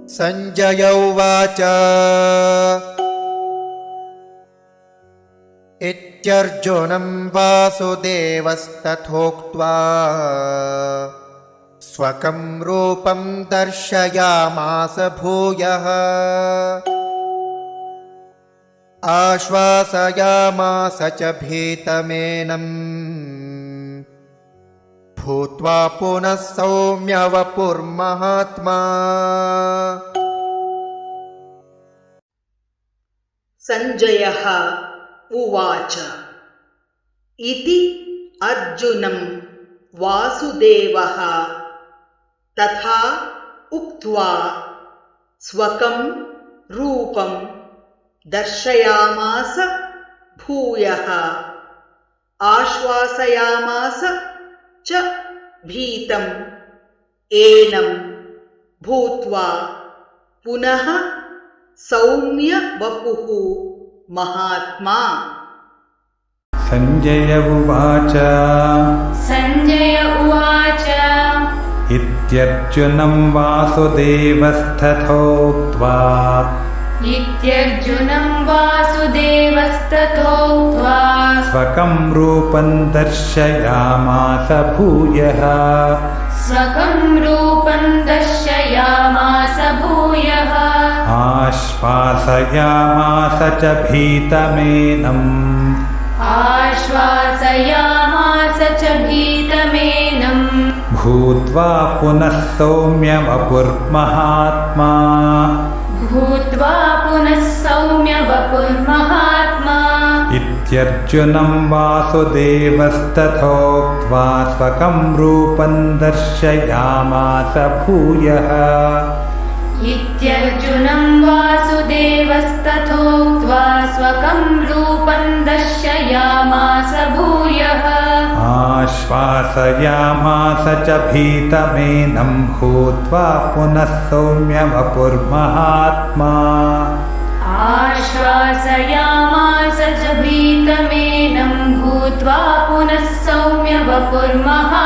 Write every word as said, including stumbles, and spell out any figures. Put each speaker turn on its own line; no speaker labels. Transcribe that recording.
संजय उवाच इत्यर्जुनं वासुदेवस्तथोक्त्वा स्वकं रूपं दर्शयामास भूयः आश्वासयामास च भीतमेनं भूत्वा पुनः सौम्य वपुर्महात्मा।
संजयः उवाच इति अर्जुनं वासुदेवः तथा उक्त्वा स्वकं रूपं दर्शयामास भूयः आश्वासयामास च भीतम् एनं भूत्वा पुनः सौम्य वपुः महात्मा।
संजय उवाच
संजय उवाच
इत्यर्जुनं वासुदेवस्तथोक्त्वा
इत्यर्जुनं वासुदेवस्तथोक्त्वा
स्वकं रूपं दर्शयामास भूयः
स्वकं रूपं दर्शयामास भूयः
आश्वासयामास च भीतमेनं
आश्वासयामास च भीतमेनं
भूत्वा पुनः सौम्य वपुर्महात्मा
भूत्वा पुनः सौम्य वपुर्महात्मा।
इत्यर्जुनं वासुदेवस्तथोक्त्वा स्वकं रूपं दर्शयामास भूयः
इत्यर्जुनं वासुदेवस्तथोक्त्वा स्वकं रूपं दर्शयामास भूयः
आश्वासयामास च भीतमेनं भूत्वा पुनः सौम्य वपुर्महात्मा
आश्वासयामास च भीतमेनं भूत्वा पुनः सौम्य वपुर्महात्मा।